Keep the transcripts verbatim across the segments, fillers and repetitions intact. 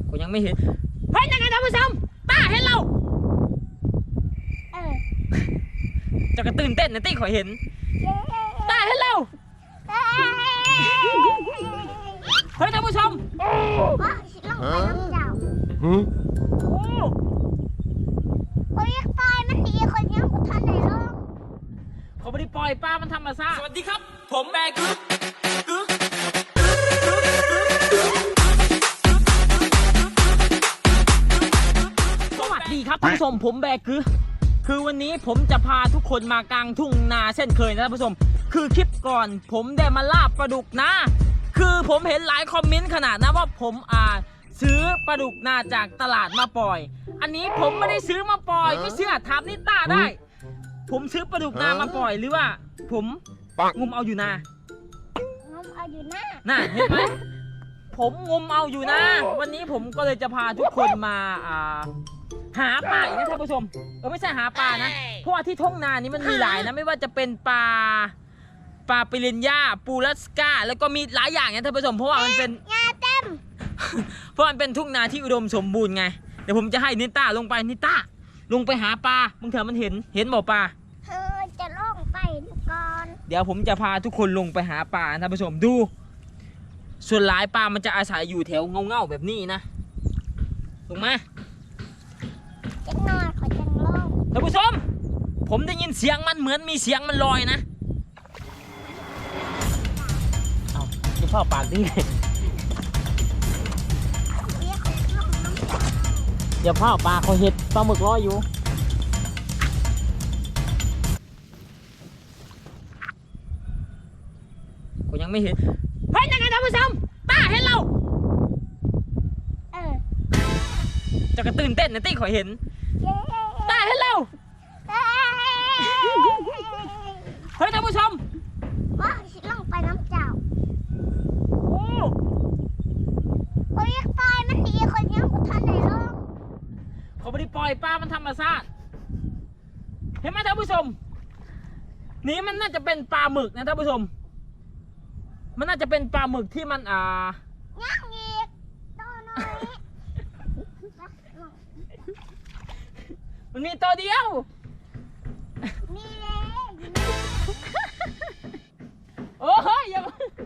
ก็ยังไม่เห็นเฮ้ยยังไงท่านผู้ชมป้าเห็นเราเออจะกระตื่นเต้นนะตี้ขอเห็นป้าเห็นเราเฮ้ยท่านผู้ชมว่าสิลงไปน้ำเจ้าโอ้ยปล่อยมันดีคนยังบ่ทันได้ลงเขาไม่ได้ปล่อยป้ามันทำมาซะสวัสดีครับผมแบกึ๊กกึ๊กสวัสดีครับท่านผู้ชมผมแบกึ๊กคือวันนี้ผมจะพาทุกคนมากลางทุ่งนาเช่นเคยนะท่านผู้ชมคือคลิปก่อนผมได้มาล่าปลาดุกนะคือผมเห็นหลายคอมเมนต์ขนาดนะว่าผมอ่าซื้อปลาดุกนาจากตลาดมาปล่อยอันนี้ผมไม่ได้ซื้อมาปล่อยไม่เชื่อถามนิต้าได้ผมซื้อปลาดุกนามาปล่อยหรือว่าผมงมเอาอยู่นางมเอาอยู่หน้าน่ะเห็นไหมผมงมเอาอยู่นะวันนี้ผมก็เลยจะพาทุกคนมาอ่าหาปลาอีกนะท่านผู้ชมเออไม่ใช่หาปลานะเพราะว่าที่ท้องนานี้มันมีหลายนะไม่ว่าจะเป็นปลาปลาปิเรนย่าปูรัสกาแล้วก็มีหลายอย่างนะท่านผู้ชมเพราะว่ามันเป็นงาเต็มเพราะมันเป็นทุ่งนาที่อุดมสมบูรณ์ไงเดี๋ยวผมจะให้นิต้าลงไปนิต้าลงไปหาปลาบางเถอะมันเห็นเห็นบ่ปลาเธอจะลงไปก่อนเดี๋ยวผมจะพาทุกคนลงไปหาปลาท่านผู้ชมดูส่วนหลายปลามันจะอาศัยอยู่แถวเงาๆแบบนี้นะลงมาจะนอนขอจะลงท่านผู้ชมผมได้ยินเสียงมันเหมือนมีเสียงมันลอยนะเอาจะเข้าปากดิอย่าพ่อปลาเขาเห็ดปลาหมึกลอยอยู่ก็ยังไม่เห็นเฮ้ยยังไงท่านผู้ชมป้าเห็นเราเออจะกระตื่นเต้นนะตี้ขอเห็นป้าเห็นเราเฮ้ยท่านผู้ชมว่าสิลงไปน้ำเจ้าโอ้โอ้ยปล่อยมันดีคนยังบ่ทันได้ลงเขาไม่ได้ปล่อยป้ามันทำมาซะเห็นไหมท่านผู้ชมนี่มันน่าจะเป็นปลาหมึกนะท่านผู้ชมมันน่าจะเป็นปลาหมึกที่มันอ่าย่างอีกตัวน้อยมันมีตัวเดียวมีเลยโอ้ยอย่า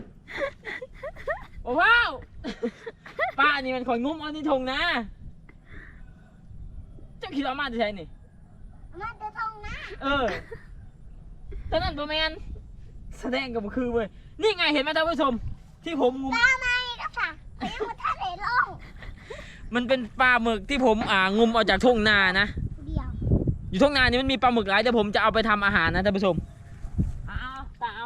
โอ้ว้าวป้านี่มันขอยงุ้มเอานี่ทงนะเจ้าคิดว่ามาจะใช่นี่มาจะทงนะเออตอนนั้นประมาณแสดงกับคือเว้ยนี่ไงเห็นไหมท่านผู้ชมที่ผมงุ้มปลาไหมก็ค่ะยังไม่ทันได้ลงมันเป็นปลาหมึกที่ผมอ่างุ้มเอาจากทุ่งนานะเดียวอยู่ทุ่งนานี่มันมีปลาหมึกหลายเดี๋ยวผมจะเอาไปทำอาหารนะท่านผู้ชมเอาตาเอา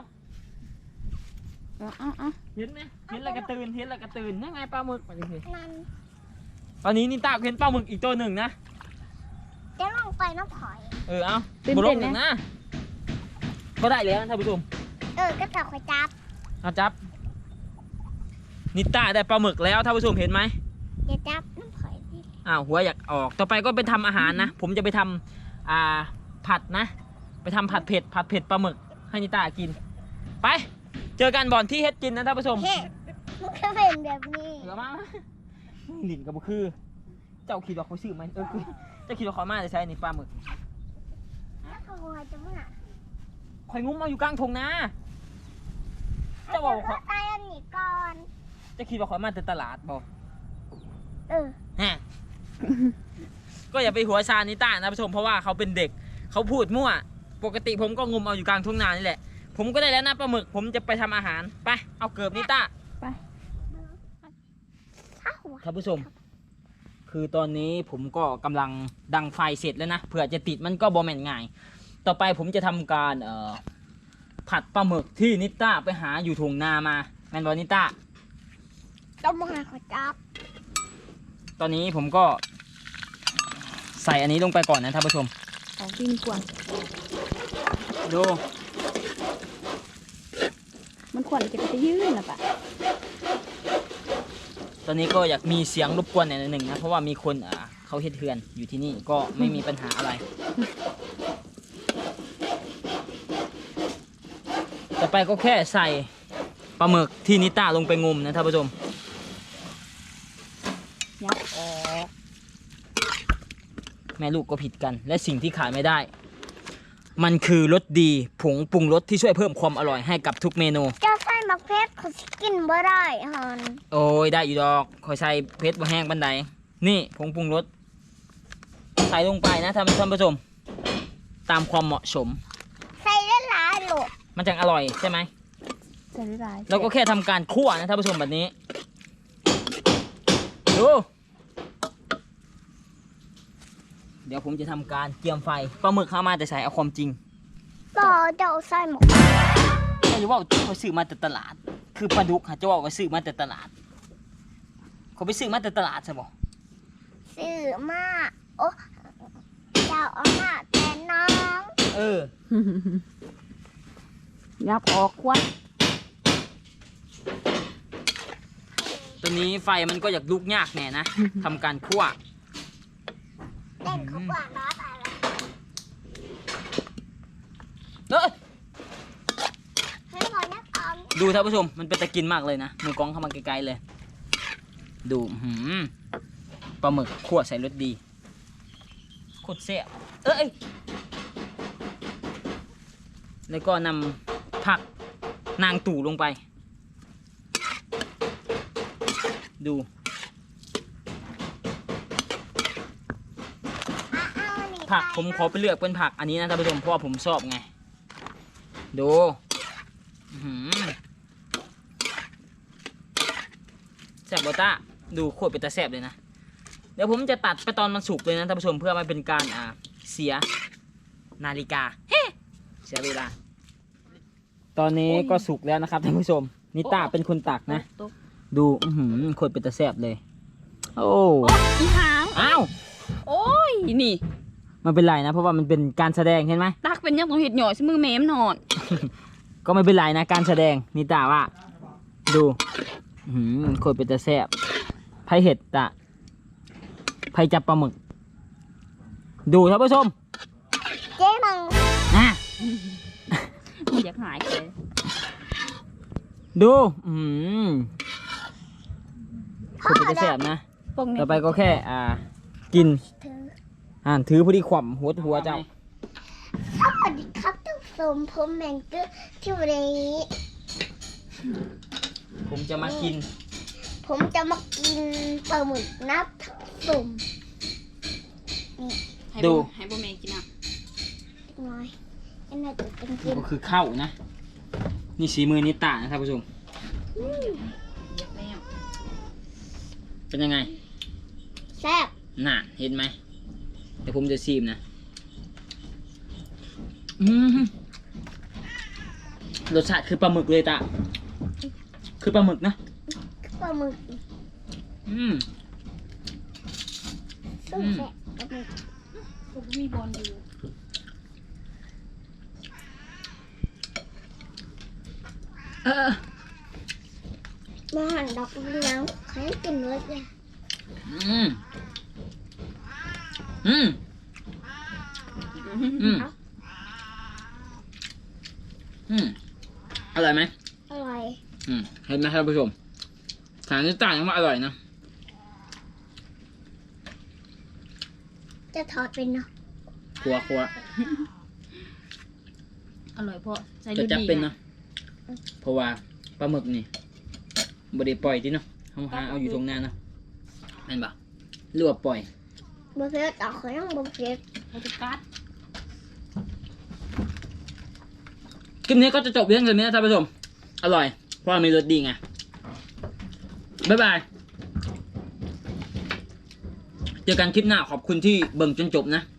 เอาเอาเห็นไหมเห็นอะไรกระตือนเห็นอะไรกระตือนนั่นไงปลาหมึกมาดิสินั่นตอนนี้นี่ตาเห็นปลาหมึกอีกตัวหนึ่งนะจะลงไปน้ำถอยเออเอาบุลงหนึ่งนะก็ได้แล้วท่านผู้ชมเออก็จับคอยจับเอาจับนิต้าได้ปลาหมึกแล้วท่านผู้ชมเห็นไหมอย่าจับน้ำถอยอ้าวหัวอยากออกต่อไปก็ไปทำอาหารนะผมจะไปทำอ่าผัดนะไปทำผัดเผ็ดผัดเผ็ดปลาหมึกให้นิต้ากินไปเจอกันบ่อนที่เฮ็ดกินนะท่านผู้ชมมันก็เป็นแบบนี้เหลือมาหลินกับบุคือเจ้าขีดดอกเขาซื้อไหมเออคือเจ้าขีดดอกเขามาจะใช้ในปลาหมึกแล้วเขาหัวจะมั่งข่อยงุ้มมาอยู่กลางทงนะเจ้าบอกเขาตายอันนี้ก่อนเจ้าขีดดอกเขามาแต่ตลาดบอกเออฮะก็อย่าไปหัวชานิต้านะผู้ชมเพราะว่าเขาเป็นเด็กเขาพูดมั่วปกติผมก็งุ้มเอาอยู่กลางทุ่งนานี่แหละผมก็ได้แล้วนะปลาหมึกผมจะไปทำอาหารไปเอาเกือบนิต้าไปท่านผู้ชมคือตอนนี้ผมก็กำลังดังไฟเสร็จแล้วนะเผื่อจะติดมันก็บอแม่นง่ายต่อไปผมจะทำการเอ่อผัดปลาหมึกที่นิต้าไปหาอยู่ทุ่งนามาแมนบอนิต้าต้องมาขอจับตอนนี้ผมก็ใส่อันนี้ลงไปก่อนนะท่านผู้ชมของกินกวนดูมันขวัญจะไปยืนนะปะตอนนี้ก็อยากมีเสียงรบกวนหน่อยหนึ่งนะเพราะว่ามีคนอ่าเขาเฮ็ดเฮือนอยู่ที่นี่ก็ไม่มีปัญหาอะไรต่อไปก็แค่ใส่ปลาหมึกที่นิต้าลงไปงมนะท่านผู้ชมยับออกแม่ลูกก็ผิดกัน และสิ่งที่ขาดไม่ได้ มันคือรสดีผงปรุงรสที่ช่วยเพิ่มความอร่อยให้กับทุกเมนูเจ้าใส่มักเพชรเขาสิกินบ่ได้ฮันโอ้ยได้อยู่ดอกคอยใส่เพชรบ่แห้งบันไดนี่ผงปรุงรสใส่ลงไปนะท่านท่านผู้ชมตามความเหมาะสมใส่ได้หลายโหลดมันจะอร่อยใช่ไหมใส่ได้หลายเราก็แค่ทำการคั่วนะท่านผู้ชมแบบนี้ดู เดี๋ยวผมจะทำการเตรียมไฟปลาหมึกเข้ามาแต่ใส่เอาความจริงต่อเจ้าใส่หมกไม่รู้ว่าเขาซื้อมาแต่ตลาด คือปลาดุกฮะจะว่าเขาซื้อมาแต่ตลาด เขาไปซื้อมาแต่ตลาดใช่ปะซื้อมาโอ้เจ้าเอามาแต่น้องเออยับออกควันตัวนี้ไฟมันก็อยากลุกยากแน่นะ ทำการคั่วเต้นเขากว่าน้าตายแล้วเอ้ยให้พอนักออมดูท่านผู้ชมมันเป็นตะกินมากเลยนะมือกล้องเข้ามาไกลๆเลย ดูหืมปลาหมึกคั่วใส่รสดีโคตรแซ่บเอ้ยแล้วก็นำผักนางตู่ลงไป ดูอ่ะเอานี่ผักไปผมขอไปเลือกเป็นผักอันนี้นะท่านผู้ชมเพราะว่าผมชอบไง ดูอื้อหือแซ่บบอต้าดูโคตรเป็นตาแซ่บเลยนะ เดี๋ยวผมจะตัดไปตอนมันสุกเลยนะท่านผู้ชมเพื่อไม่เป็นการอ่าเสียนาฬิกาเฮ้เสียเวลา ตอนนี้ก็สุกแล้วนะครับท่านผู้ชมนิต้าเป็นคนตักนะตกดูอื้อหือโคตรเป็นตาแซ่บเลย โอ้โอ้อีหางอ้าวโอ้ยนี่มันเป็นไรนะ เพราะว่ามันเป็นการแสดงเห็นไหมตักเป็นยังต้องเห็ดหน่อยใช่มือแม่มนอนก็ไม่เป็นไรนะการแสดงนิตาว่า ดูหืมโคตรเป็นตาแซ่บไผ่เห็ดตะไผ่จับปลาหมึก ดูท่านผู้ชมเจ๊มังนะมันอยากหายเลยดูอืมโคตรเป็นตาแซ่บนะพวกนี้ต่อไปก็แค่อ่า กินถืออ่านถือพอดีขวำหัวหัวเจ้าสวัสดีครับทุกคนผมแมงเกอร์ที่วันนี้ผมจะมากินผมจะมากินปลาหมึกนับสมให้ดูบ่ให้บ่แม่กินอ่ะน้อยอันนั้นจะเป็นกินก็คือข้าวนะ นี่สีมือนิตานะท่านผู้ชมอยากแม่เป็นยังไงแซ่บน่ะเห็นไหมเดี๋ยวผมจะซีมนะอืมรสชาติคือปลาหมึกเลยตาคือปลาหมึกนะปลาหมึกอืมสู้แซ่บปลาหมึกผมมีบอลอยู่เออมาหั่นดอกเลี้ยงใครกินเนื้อเลยอืมอืมอืมอืมอร่อยไหมอร่อยอืมเห็นไหมท่านผู้ชมฐานนิตายังว่าอร่อยนะจะทอดเป็นเนาะครัวครัวอร่อยเพราะใส่จะลูกจับดีเป็นเนาะเพราะว่าปลาหมึกนี่บไดปล่อยที่เนาะเขาหาเอาอยู่ตรงหน้าเนาะแม่นปะหรือว่าปล่อยบะเพ็ดเอาเขายังบะเพ็ดเขาจะกัดคลิปนี้ก็จะจบเพียงเท่านี้นะท่านผู้ชม อร่อย เพราะว่ามีรสดีไง บ๊ายบาย เจอกันคลิปหน้าขอบคุณที่เบิ่งจนจบนะ